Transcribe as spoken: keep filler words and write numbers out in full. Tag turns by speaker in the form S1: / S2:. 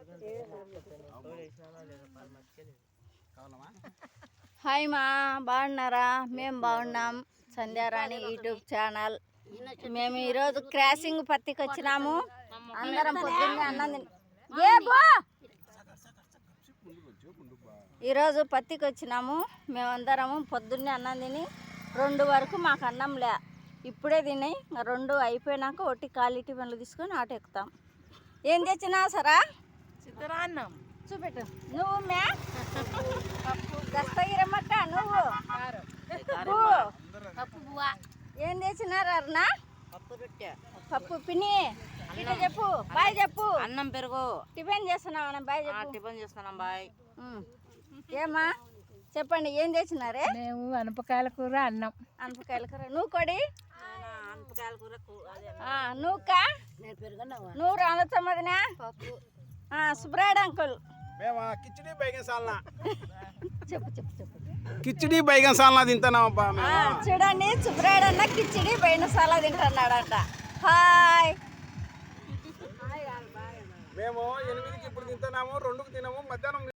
S1: Hi మా బాగున్నారా? మేము బాగున్నాం. Sandhyarani YouTube channel. మేము ఈరోజు క్రాసింగ్ పత్తికి వచ్చినాము. అందరం పొద్దున్నే అన్నం ఏ బో ఈరోజు పత్తికి వచ్చినాము. మేమందరము పొద్దున్నే అన్నం తిని రెండు వరకు మాకు అన్నం లే, ఇప్పుడే తిని రెండు అయిపోయినాక ఒట్టి క్వాలిటీ పనులు తీసుకొని ఆట ఎక్కుతాం. ఏం తెచ్చినా సరా?
S2: చిత్రాన్నం
S1: చూపెట్టు. నువ్వు మే దస్తగిరమ్మక్క నువ్వు ఏం తెచ్చినారు అరుణ?
S2: పప్పు రొట్టె,
S1: పప్పు పిన్ని ఇట్లా చెప్పు. బాయ్ చెప్పు.
S2: అన్నం పెరుగు.
S1: టిఫిన్ చేస్తున్నావు? బాయ్ చెప్పు.
S2: టిఫిన్ చేస్తున్నాం బాయ్.
S1: ఏమా చెప్పండి, ఏం తెచ్చినారే?
S3: మేము అనపకాయల కూర అన్నం.
S1: అనపకాయల కూర. నువ్వు కొడి
S2: అనపకాయల కూర.
S1: నువ్వుక నువ్వు రానొచ్చమ్మదినా సుబ్రాయుడు అంకుల్
S4: కిచిడి బైగన్ సాల్నా
S1: చెప్పు చెప్పు చెప్పు
S4: కిచిడి బైగన్ సాల్నా తింటున్నామబ్బా.
S1: చూడండి, సుబ్రాయుడు అన్న కిచిడి బైనసాలా తింటున్నాడంట. హాయ్.
S4: మేము ఎనిమిదికి ఇప్పుడు తింటున్నాము, రెండుకి తినము, మధ్యాహ్నం